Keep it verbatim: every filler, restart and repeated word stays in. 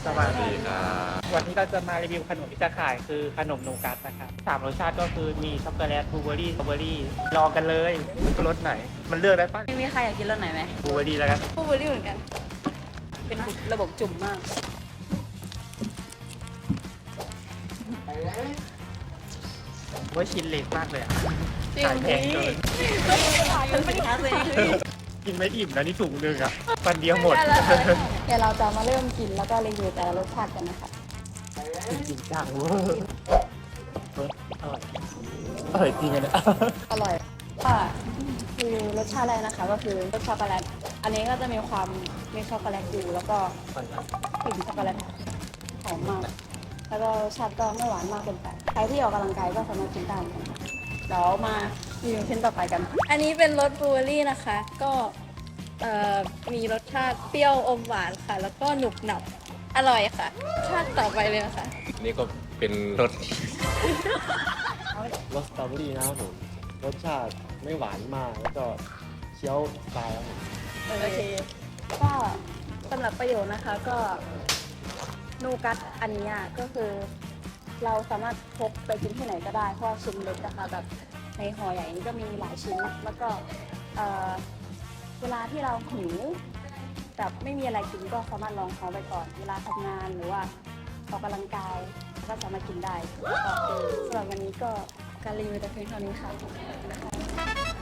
สวัสดีครับวันนี้เราจะมารีวิวขนมที่จะขายคือขนมนูกัสนะครับสามรสชาติก็คือมีช็อกโกแลตบลูเบอร์รี่สตรอเบอร์รี่ลองกันเลยรสไหน มันเลือกได้ปะไม่มีใครอยากกินรสไหนไหมบลูเบอร์รี่แล้วกันบลูเบอร์รี่เหมือนกัน เป็นระบบจุ่มมากว่าชิ้นเล็กมากเลยอ่ะจริงขายแพงเกินมันไม่ค้าเลยกินไม่อิ่มนะนี่ถุงนึงอ่ะวันเดียวหมดเดี๋ยวเราจะมาเริ่มกินแล้วก็รีวิวแต่ละรสชาติกันนะคะจริงจังเวอร์เอออร่อยอร่อยจริงอะเนี่ยอร่อยค่ะรีวิวรสชาติแรกนะคะ ก็คือรสช็อกโกแลต อันนี้ก็จะมีความมีช็อกโกแลตอยู่แล้วก็กลิ่นช็อกโกแลตหอมมาก แล้วก็รสชาติก็ไม่หวานมากเกินไปใครที่ออกกำลังกายก็สามารถกินได้เหมือนกันค่ะเดี๋ยวมารีวิวชิ้นต่อไปกันอันนี้เป็นรสบลูเบอร์รี่นะคะ ก็เอ่อมีรสชาติเปรี้ยวอมหวานค่ะ แล้วก็หนุบหนับอร่อยค่ะรสชาติต่อไปเลยนะคะนี่ก็เป็นรสรสสตรอเบอรี่นะครับผมรสชาติไม่หวานมากแล้วก็เคี้ยวสบายครับผมโอเคก็สำหรับประโยชน์นะคะก็นูกัสอันเนี้ยก็คือเราสามารถพกไปกินที่ไหนก็ได้เพราะว่าชิ้นเล็กนะคะแบบในห่อใหญ่นี้ก็มีหลายชิ้นแล้วก็เอ่อเวลาที่เราหิวแบบไม่มีอะไรกินก็สามารถลองเขาไปก่อน เวลาทำงานหรือว่าออกกำลังกายก็สามารถกินได้ก็สำหรับวันนี้ก็การรีวิวแต่เพียงเท่านี้ค่ะ